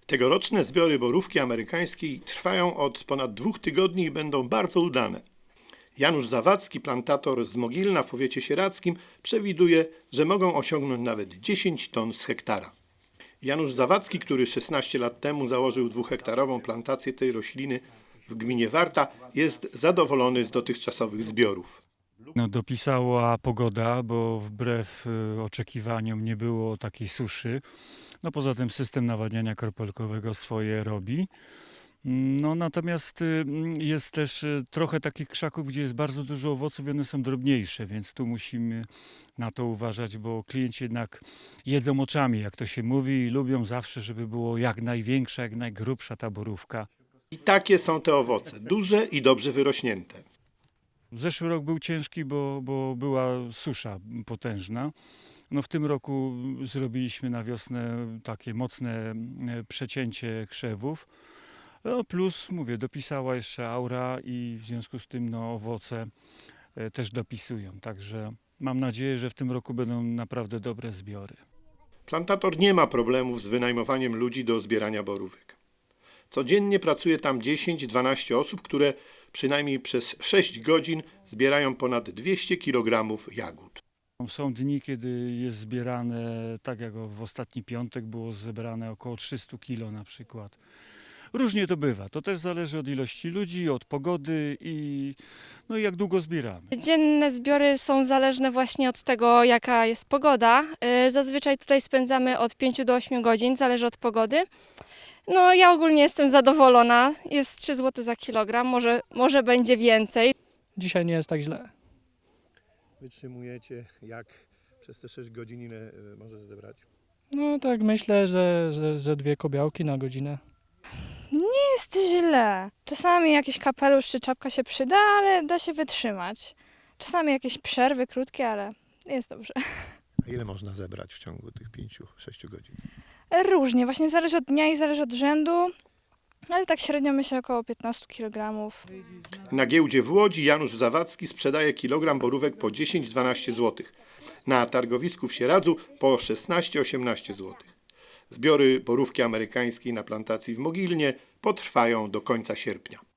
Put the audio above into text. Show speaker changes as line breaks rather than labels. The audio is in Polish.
Tegoroczne zbiory borówki amerykańskiej trwają od ponad 2 tygodni i będą bardzo udane. Janusz Zawadzki, plantator z Mogilna w powiecie sieradzkim, przewiduje, że mogą osiągnąć nawet 10 ton z hektara. Janusz Zawadzki, który 16 lat temu założył 2-hektarową plantację tej rośliny w gminie Warta, jest zadowolony z dotychczasowych zbiorów.
Dopisała pogoda, bo wbrew oczekiwaniom nie było takiej suszy. Poza tym system nawadniania kropelkowego swoje robi. Natomiast jest też trochę takich krzaków, gdzie jest bardzo dużo owoców i one są drobniejsze, więc tu musimy na to uważać, bo klienci jednak jedzą oczami, jak to się mówi, i lubią zawsze, żeby było jak największa, jak najgrubsza ta borówka.
I takie są te owoce, duże i dobrze wyrośnięte.
Zeszły rok był ciężki, bo była susza potężna. W tym roku zrobiliśmy na wiosnę takie mocne przecięcie krzewów. Plus, mówię, dopisała jeszcze aura i w związku z tym owoce też dopisują. Także mam nadzieję, że w tym roku będą naprawdę dobre zbiory.
Plantator nie ma problemów z wynajmowaniem ludzi do zbierania borówek. Codziennie pracuje tam 10-12 osób, które przynajmniej przez 6 godzin zbierają ponad 200 kg jagód.
Są dni, kiedy jest zbierane, tak jak w ostatni piątek było zebrane około 300 kg na przykład. Różnie to bywa. To też zależy od ilości ludzi, od pogody i jak długo zbieramy.
Dzienne zbiory są zależne właśnie od tego, jaka jest pogoda. Zazwyczaj tutaj spędzamy od 5 do 8 godzin, zależy od pogody. Ja ogólnie jestem zadowolona. Jest 3 zł za kilogram, może będzie więcej.
Dzisiaj nie jest tak źle.
Wytrzymujecie jak przez te 6 godzin, ile możesz zebrać?
Tak myślę, że 2 kobiałki na godzinę.
Jest źle. Czasami jakiś kapelusz czy czapka się przyda, ale da się wytrzymać. Czasami jakieś przerwy krótkie, ale jest dobrze.
A ile można zebrać w ciągu tych 5-6 godzin?
Różnie, właśnie zależy od dnia i zależy od rzędu, ale tak średnio myślę około 15 kg.
Na giełdzie w Łodzi Janusz Zawadzki sprzedaje kilogram borówek po 10-12 zł. Na targowisku w Sieradzu po 16-18 zł. Zbiory borówki amerykańskiej na plantacji w Mogilnie potrwają do końca sierpnia.